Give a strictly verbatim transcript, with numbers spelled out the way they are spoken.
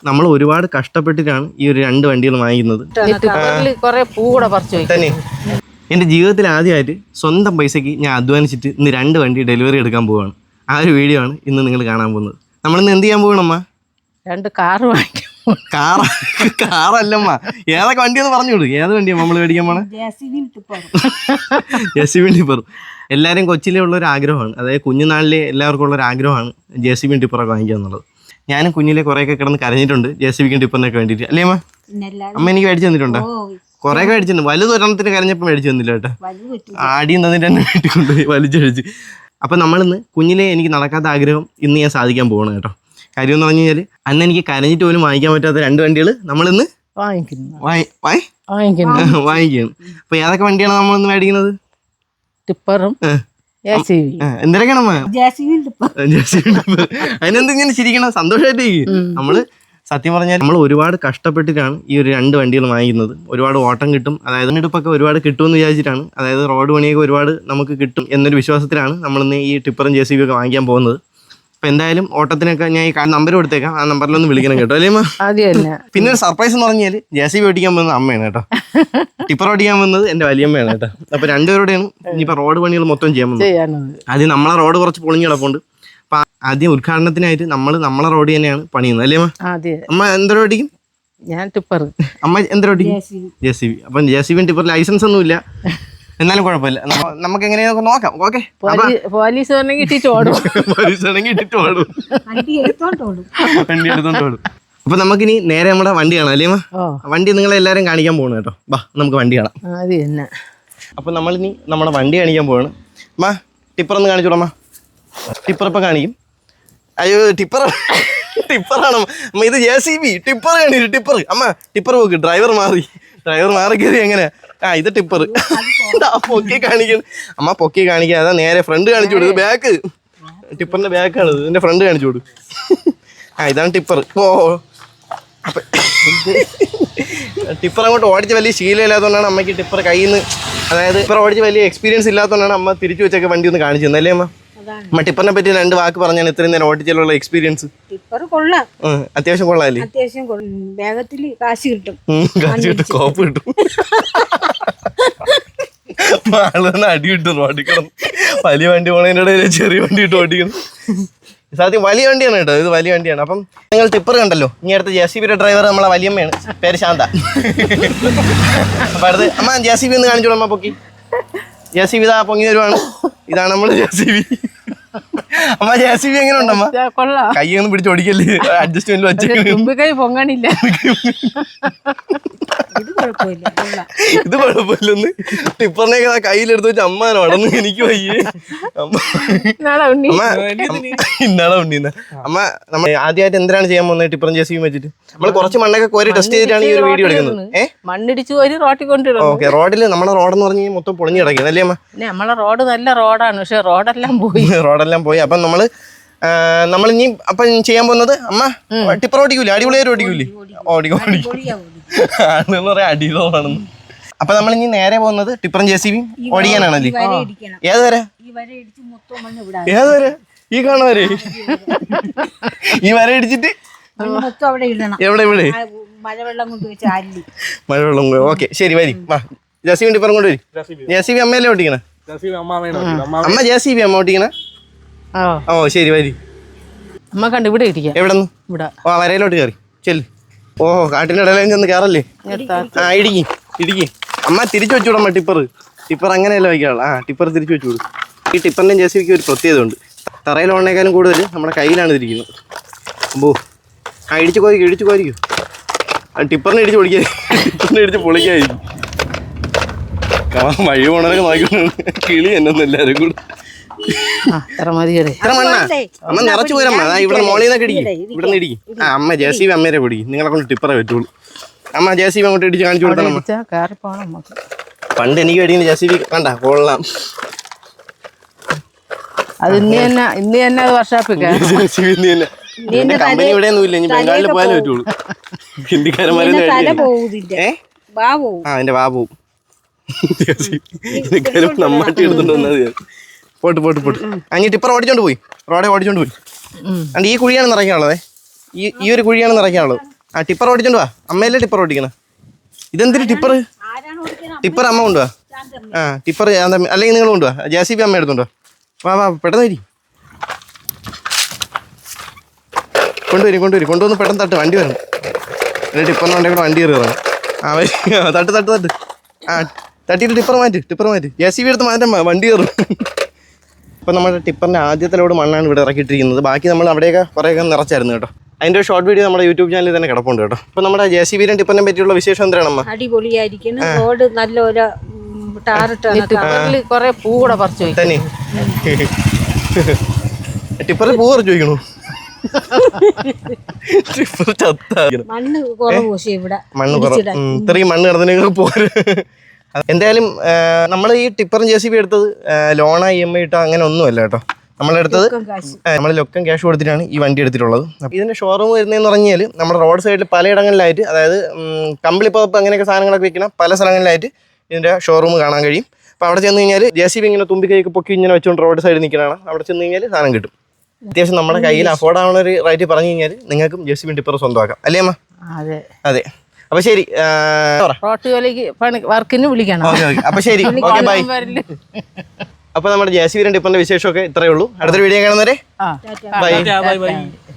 നമ്മൾ ഒരുപാട് കഷ്ടപ്പെട്ടിട്ടാണ് ഈ ഒരു രണ്ട് വണ്ടികൾ വാങ്ങിക്കുന്നത്. തന്നെ എൻ്റെ ജീവിതത്തിൽ ആദ്യമായിട്ട് സ്വന്തം പൈസയ്ക്ക് ഞാൻ അധ്വാനിച്ചിട്ട് ഇന്ന് രണ്ട് വണ്ടി ഡെലിവറി എടുക്കാൻ പോവുകയാണ്. ആ ഒരു വീഡിയോ ആണ് ഇന്ന് നിങ്ങൾ കാണാൻ പോകുന്നത്. നമ്മളിന്ന് എന്ത് ചെയ്യാൻ പോകണമ്മ? രണ്ട് കാറ് വാങ്ങിക്കും. കാറ കാറല്ലമ്മ, ഏതൊക്കെ വണ്ടിയെന്ന് പറഞ്ഞു കൊടുക്കും. ഏത് വണ്ടിയാണ് നമ്മൾ മേടിക്കാൻ പോണേ? ജെ സി ബി ടിപ്പറും. എല്ലാവരും കൊച്ചിലേ ഉള്ളൊരു ആഗ്രഹമാണ്, അതായത് കുഞ്ഞുനാളിലെ എല്ലാവർക്കും ഉള്ളൊരു ആഗ്രഹമാണ് ജെ സി ബി ടിപ്പറൊക്കെ വാങ്ങിക്കുക എന്നുള്ളത്. ഞാനും കുഞ്ഞിലെ കുറേയൊക്കെ കിടന്ന് കരഞ്ഞിട്ടുണ്ട് ജെ സി ബിക്കും ടിപ്പറിനൊക്കെ വേണ്ടിയിട്ട്. അല്ലേ അമ്മ? അമ്മ എനിക്ക് മേടിച്ചു തന്നിട്ടുണ്ടോ? കുറേയൊക്കെ മേടിച്ചിട്ടുണ്ട്. വലുത് ഒരെണ്ണത്തിന് കരഞ്ഞപ്പോൾ മേടിച്ചു തന്നില്ല കേട്ടോ. ആടിയും തന്നിട്ട് തന്നെ വീട്ടിൽ വലിച്ചഴിച്ച്. അപ്പം നമ്മളിന്ന് കുഞ്ഞിലെ എനിക്ക് നടക്കാത്ത ആഗ്രഹം ഇന്ന് ഞാൻ സാധിക്കാൻ പോകണം കേട്ടോ. കാര്യം എന്ന് പറഞ്ഞു കഴിഞ്ഞാൽ അന്ന് എനിക്ക് കരഞ്ഞിട്ട് പോലും വാങ്ങിക്കാൻ പറ്റാത്ത രണ്ട് വണ്ടികൾ നമ്മളിന്ന് വാങ്ങിക്കുകയാണ്. അപ്പൊ ഏതൊക്കെ വണ്ടിയാണ് നമ്മളിന്ന് മേടിക്കുന്നത്? ടിപ്പറും എന്തൊക്കെയാണമ്മ? അതിനെന്തിങ്ങനെ ചിരിക്കണം? സന്തോഷമായിട്ടേക്ക്. നമ്മള് സത്യം പറഞ്ഞാൽ നമ്മൾ ഒരുപാട് കഷ്ടപ്പെട്ടിട്ടാണ് ഈ ഒരു രണ്ട് വണ്ടികൾ വാങ്ങിക്കുന്നത്. ഒരുപാട് ഓട്ടം കിട്ടും, അതായത് എടുപ്പൊക്കെ ഒരുപാട് കിട്ടുമെന്ന് വിചാരിച്ചിട്ടാണ്, അതായത് റോഡ് പണിയൊക്കെ ഒരുപാട് നമുക്ക് കിട്ടും എന്നൊരു വിശ്വാസത്തിലാണ് നമ്മളിന്ന് ഈ ടിപ്പറും ജെ സി ബി ഒക്കെ വാങ്ങിക്കാൻ പോകുന്നത്. അപ്പൊ എന്തായാലും ഓട്ടത്തിനൊക്കെ ഞാൻ ഈ നമ്പർ കൊടുത്തേക്കാം, ആ നമ്പറിലൊന്ന് വിളിക്കണം കേട്ടോ. അല്ലേ അമ്മ? പിന്നെ ഒരു സർപ്രൈസ് എന്ന് പറഞ്ഞാൽ ജെ സി ബി ഓടിക്കാൻ പോകുന്നത് അമ്മയാണ് കേട്ടോ, ടിപ്പർ ഓടിക്കാൻ പോകുന്നത് എന്റെ വലിയമ്മയാണ് കേട്ടോ. അപ്പൊ രണ്ടുപേരുടെയാണ് ഇനിയിപ്പോ റോഡ് പണികൾ മൊത്തം ചെയ്യാൻ പോകുന്നത്. ആദ്യം നമ്മളെ റോഡ് കുറച്ച് പൊളിഞ്ഞ് കിടപ്പുണ്ട്. അപ്പൊ ആദ്യം ഉദ്ഘാടനത്തിനായിട്ട് നമ്മൾ നമ്മളെ റോഡ് തന്നെയാണ് പണിയുന്നത്. അല്ലേ അമ്മ? അമ്മ എന്തോ ഓടിക്കും? ഞാൻ ടിപ്പർ. അമ്മ എന്തോ ഓടിക്കും? J C B. അപ്പൊ J C B tipper licence ഒന്നും ഇല്ല, എന്നാലും കുഴപ്പമില്ല, നമുക്ക് എങ്ങനെയൊക്കെ നോക്കാം. ഓക്കെ, പോലീസ് ഇട്ടിട്ട് ഓടും. പോലീസ് ആണെങ്കിൽ ഇട്ടിട്ട് ഓടും, വണ്ടി എടുത്തോണ്ട് ഓടും. അപ്പൊ നമുക്കിനി നേരെ നമ്മുടെ വണ്ടി കാണാം. അല്ലേ വണ്ടി നിങ്ങളെ എല്ലാരും കാണിക്കാൻ പോകണം കേട്ടോ. ബാ നമുക്ക് വണ്ടി കാണാം. അപ്പൊ നമ്മളിനി നമ്മുടെ വണ്ടി കാണിക്കാൻ പോവാണ്. അമ്മ ടിപ്പർ ഒന്ന് കാണിച്ചോളമ്മ. ടിപ്പർ ഇപ്പൊ കാണിക്കും. അയ്യോ ടിപ്പർ ടിപ്പറാണ് അമ്മ, ഇത് ജെ സി ബി. ടിപ്പർ കാണിച്ചു, ടിപ്പർ. അമ്മ ടിപ്പർ പോക്ക്, ഡ്രൈവർ മാറി ഡ്രൈവർ മാറി കയറി. എങ്ങനെ? ആ ഇത് ടിപ്പർ. പൊക്കി കാണിക്കണം അമ്മ, പൊക്കി കാണിക്കാൻ. അതാ നേരെ ഫ്രണ്ട് കാണിച്ചു കൊടുക്കും. ബാക്ക് ടിപ്പറിന്റെ ബാക്കാണ്, ഇതിന്റെ ഫ്രണ്ട് കാണിച്ചു കൊടുക്കും. ആ ഇതാണ് ടിപ്പർ. ഓ അപ്പൊ ടിപ്പർ അങ്ങോട്ട് ഓടിച്ച് വലിയ ശീലമില്ലാത്തതുകൊണ്ടാണ് അമ്മയ്ക്ക് ടിപ്പർ കയ്യിൽ നിന്ന്, അതായത് ടിപ്പർ ഓടിച്ച് വലിയ എക്സ്പീരിയൻസ് ഇല്ലാത്തതുകൊണ്ടാണ് അമ്മ തിരിച്ചു വെച്ചൊക്കെ വണ്ടി ഒന്ന് കാണിച്ചു തന്നല്ലേ അമ്മ? അമ്മ ടിപ്പറിനെ പറ്റി രണ്ട് വാക്ക് പറഞ്ഞാണ് ഇത്രയും നേരം ഓടിച്ചുള്ള എക്സ്പീരിയൻസ്. ടിപ്പർ കൊള്ളാം, അത്യാവശ്യം കൊള്ളാല്ലേ? അത്യാവശ്യം വേഗത്തിൽ കാശ് കിട്ടും, കാശ് കിട്ടും, കോപ്പ് കിട്ടും. ആളൊന്ന് അടി കിട്ടും റോഡിൽ കിടന്ന്. വലിയ വണ്ടി പോണതിൻ്റെ ഇടയിൽ ചെറിയ വണ്ടി ഇട്ട് ഓടിക്കണം. സത്യം വലിയ വണ്ടിയാണ് കേട്ടോ, ഇത് വലിയ വണ്ടിയാണ്. അപ്പം നിങ്ങൾ ടിപ്പർ കണ്ടല്ലോ, ഇനി അടുത്ത ജെ സി ബിയുടെ ഡ്രൈവർ നമ്മളെ വലിയമ്മയാണ്, പേര് ശാന്ത. അപ്പൊ അടുത്ത് അമ്മ ജെ സി ബി ഒന്ന് കാണിച്ചോളൂ അമ്മ. പൊക്കി ജെ സി ബി ഇതാ പൊങ്ങി വരുവാണ്. ഇതാണ് നമ്മള് ജെ സി ബി. അമ്മ ജെ സി ബി എങ്ങനെ ഉണ്ടമ്മ? കൈ ഒന്നും പിടിച്ചോടിക്കല്ലേ, അഡ്ജസ്റ്റ്മെന്റ് വെച്ചേക്കണില്ല. ഇത് കുഴപ്പമില്ലെന്ന് ടിപ്പറിനെയൊക്കെ കയ്യിലെടുത്ത് വെച്ച് അമ്മാനോ അടന്ന് എനിക്ക് വയ്യേ. ഇന്നാളെ ഉണ്ടീന്ന അമ്മ. നമ്മൾ ആദ്യമായിട്ട് എന്തിനാണ് ചെയ്യാൻ പോകുന്നത് ടിപ്പറും ജെ സി ബിയും വെച്ചിട്ട്? നമ്മൾ കുറച്ച് മണ്ണൊക്കെ കോരി ടെസ്റ്റ് ചെയ്തിട്ടാണ് ഈ ഒരു വീഡിയോ എടുക്കുന്നത്. ഏഹ് മണ്ണിടിച്ച് കോരി റോട്ടിൽ കൊണ്ടിടും. ഓക്കെ, റോഡിൽ നമ്മുടെ റോഡെന്ന് പറഞ്ഞ് മൊത്തം പൊളിഞ്ഞു കിടക്കുന്നത് അല്ലേ അമ്മ? നമ്മളെ റോഡ് നല്ല റോഡാണ്, പക്ഷെ റോഡെല്ലാം പോയി റോഡെല്ലാം പോയി. അപ്പം നമ്മള് നമ്മൾ ഇനി അപ്പം ചെയ്യാൻ പോകുന്നത് അമ്മ ടിപ്പർ ഓടിക്കൂലേ? അടിപൊളിയായിട്ട് ഓടിക്കൂലേ? ഓടിക്കും ഓടിക്കും ആണെന്ന് പറയാം, അടിപൊളിയാണെന്ന്. അപ്പൊ നമ്മൾ ഇനി നേരെ പോകുന്നത് ടിപ്പറും ജെ സി ബിയും ഓടിക്കാനാണല്ലേ? ഏത് വരെ? ഏത് വരെ? ഈ കാണുന്ന വരെ? ഈ വര ഇടിച്ചിട്ട് എവിടെ? ഇവിടെ മഴവെള്ളം കൊണ്ട് മഴവെള്ളം. ഓക്കെ ശരി, വരി ജെ സി ബി ടിപ്പറും കൊണ്ട് വരും. ജെ സി ബി അമ്മയല്ലേ ഓടിക്കണേ? അമ്മ ജെ സി ബി അമ്മ ഓടിക്കണേ? ഓ ശരി, വരി. അമ്മ കണ്ട് ഇവിടെ ഇരിക്കാം. എവിടെ നിന്ന്? ഇവിടെ. ഓ വരയിലോട്ട് കയറി ചെല്ല്. ഓഹോ കാട്ടിൻ്റെ ഇടയിലും ചെന്ന് കയറല്ലേ? ആ ഇടിക്കും ഇടിക്കും. അമ്മ തിരിച്ചു വെച്ചുവിടമ്മ ടിപ്പർ. ടിപ്പർ അങ്ങനെയല്ല വയ്ക്കാനുള്ള. ആ ടിപ്പർ തിരിച്ചു വെച്ചു കൊടുക്കും. ഈ ടിപ്പറിൻ്റെയും ജെ സി ബിക്ക് ഒരു പ്രത്യേകത ഉണ്ട്. തറയിൽ ഓടണേക്കാളും കൂടുതൽ നമ്മുടെ കയ്യിലാണ് ഇരിക്കുന്നത്. അമ്പോ ആ ഇടിച്ച് കോരിക്കും ഇടിച്ച് കോരിക്കും. ആ ടിപ്പറിനെ ഇടിച്ച് പൊളിക്കാൻ, ടിപ്പറിനെ ഇടിച്ച് പൊളിക്കായിരിക്കും. വഴി പോണവരൊക്കെ നോക്കിക്കൊണ്ടാണ് കിളി എന്നൊന്നും എല്ലാവരും കൂടെ. അമ്മ നിറച്ചു പോരമ്മ. ഇവിടെ മോളിൽ നിന്നൊക്കെ ഇടിക്കും, ഇവിടെ നിന്ന് ഇടിക്കും. ആ അമ്മ ജെ സി ബി അമ്മേരെ പിടിക്കും. നിങ്ങളെ കൊണ്ട് ടിപ്പറെ പറ്റുള്ളൂ. അമ്മ ജെ സി ബി അങ്ങോട്ട് ഇടിച്ച് കാണിച്ചു കൊടുത്തണം. പണ്ട് എനിക്ക് വേടിക്കുന്ന ജെ സി ബി കണ്ട കൊള്ളാം. അത് ഇന്ന് തന്നെ ഇന്ന് തന്നെ അത് വർഷാപ്പിക്കാം. കമ്പനി ഇവിടെ ഒന്നും ഇല്ല, ഇനി ബംഗാളിൽ പോയാലേ പറ്റുള്ളൂ. ഹിന്ദിക്കാരന്മാരെ ആ എന്റെ ബാബു നമ്മാട്ടി എടുത്തോണ്ട് വന്നത്. പോട്ട് പോട്ട് പോട്ട് അഞ്ഞ് ടിപ്പർ ഓടിച്ചോണ്ട് പോയി, റോഡെ ഓടിച്ചോണ്ട് പോയി. അണ്ട് ഈ കുഴിയാണ് നിറയ്ക്കാനുള്ളത്. ഈ ഈ ഒരു കുഴിയാണ് നിറയ്ക്കാനുള്ളത്. ആ ടിപ്പർ ഓടിച്ചോണ്ട് വാ, അമ്മയല്ലേ ടിപ്പർ ഓടിക്കണ. ഇതെന്തിന് ടിപ്പർ? ആരാണ് ഓടിക്കുന്നത്? ടിപ്പർ അമ്മ കൊണ്ടുവാ. ആ ടിപ്പർ അല്ലെങ്കിൽ നിങ്ങൾ കൊണ്ടുവാ, ജെ സി ബി അമ്മ എടുത്തോണ്ടോ. വാ വാ പെട്ടെന്ന് വരി, കൊണ്ടുവരും കൊണ്ടുവരും കൊണ്ടുവന്ന് പെട്ടെന്ന് തട്ട്, വണ്ടി വരണം. എന്നിട്ട് ടിപ്പറിന് വണ്ടി കൂടെ വണ്ടി കയറുകയാണ്. ആ വരി, തട്ട് തട്ട് തട്ട്. ആ തട്ടിയിട്ട് ടിപ്പർ മാറ്റ്, ടിപ്പർ മാറ്റ്, ജെ സി ബി എടുത്ത് മാറ്റാൻ വണ്ടി കയറും. അപ്പോൾ നമ്മുടെ ടിപ്പറിൻ്റെ ആദ്യത്തെ ലോഡ് മണ്ണാണ് ഇവിടെ ഇറക്കിയിട്ടിരിക്കുന്നത്. ബാക്കി നമ്മൾ അവിടെയൊക്കെ കുറേയൊക്കെ നിറച്ചായിരുന്നു കേട്ടോ. അതിൻ്റെ ഒരു ഷോർട്ട് വീഡിയോ നമ്മുടെ യൂട്യൂബ് ചാനലിൽ തന്നെ കിടപ്പുണ്ട് കേട്ടോ. അപ്പോൾ നമ്മുടെ ജെ സി ബിയിലും ടിപ്പറിനെ പറ്റിയുള്ള വിശേഷം എന്താണ് അമ്മ? അടിപൊളിയായിരിക്കുന്നു. റോഡ് നല്ലൊരു ടാറിട്ടാണ്. ടിപ്പറിൽ കുറെ പൂ കൂടെ പറിച്ചു പോയി തന്നെ. ടിപ്പറിൽ പൂ പറിച്ചു ചോദിക്കണു. ടിപ്പർ ചത്തായിരുന്നു. മണ്ണ് കുറവ് പക്ഷേ ഇവിടെ മണ്ണ് കുറവ്, ഇത്രയും മണ്ണ് കിടന്നതിനൊക്കെ പോര്. എന്തായാലും നമ്മൾ ഈ ടിപ്പറും ജെ സി ബി എടുത്തത് ലോണ ഇ എം ഐ ഇട്ടോ അങ്ങനെ ഒന്നുമല്ല കേട്ടോ. നമ്മളെടുത്തത് നമ്മൾ ലൊക്കം ക്യാഷ് കൊടുത്തിട്ടാണ് ഈ വണ്ടി എടുത്തിട്ടുള്ളത്. അപ്പോൾ ഇതിൻ്റെ ഷോറൂം വരുന്നതെന്ന് പറഞ്ഞാൽ നമ്മുടെ റോഡ് സൈഡിൽ പലയിടങ്ങളിലായിട്ട്, അതായത് കമ്പിളിപ്പുറപ്പ് അങ്ങനെയൊക്കെ സാധനങ്ങളൊക്കെ വിൽക്കുന്ന പല സ്ഥലങ്ങളിലായിട്ട് ഇതിൻ്റെ ഷോറൂം കാണാൻ കഴിയും. അപ്പോൾ അവിടെ ചെന്ന് കഴിഞ്ഞാൽ ജെ സി ബി ഇങ്ങനെ തുമ്പിക്കൈക്ക് പൊക്കി ഇങ്ങനെ വെച്ചുകൊണ്ട് റോഡ് സൈഡിൽ നിൽക്കുന്നതാണ്. അവിടെ ചെന്ന് കഴിഞ്ഞാൽ സാധനം കിട്ടും. അത്യാവശ്യം നമ്മുടെ കയ്യിൽ അഫോർഡ് ആവുന്ന ഒരു റേറ്റ് പറഞ്ഞു കഴിഞ്ഞാൽ നിങ്ങൾക്കും ജെ സി ബി ടിപ്പർ സ്വന്തമാക്കാം, അല്ലേ അമ്മ? അതെ അതെ. അപ്പോൾ ശരി, റോട്ട് ജോലിക്ക് പണി വർക്കിന് വിളിക്കണം. ഓക്കെ ഓക്കെ അപ്പോൾ ശരി, ഓക്കെ ബൈ. അപ്പോൾ നമ്മുടെ ജെ സി ബി ടിപ്പറിൻ്റെ വിശേഷമൊക്കെ ഇത്രയേ ഉള്ളൂ. അടുത്തൊരു വീഡിയോ കാണുന്നവരെ ആ ബൈ. ബൈ.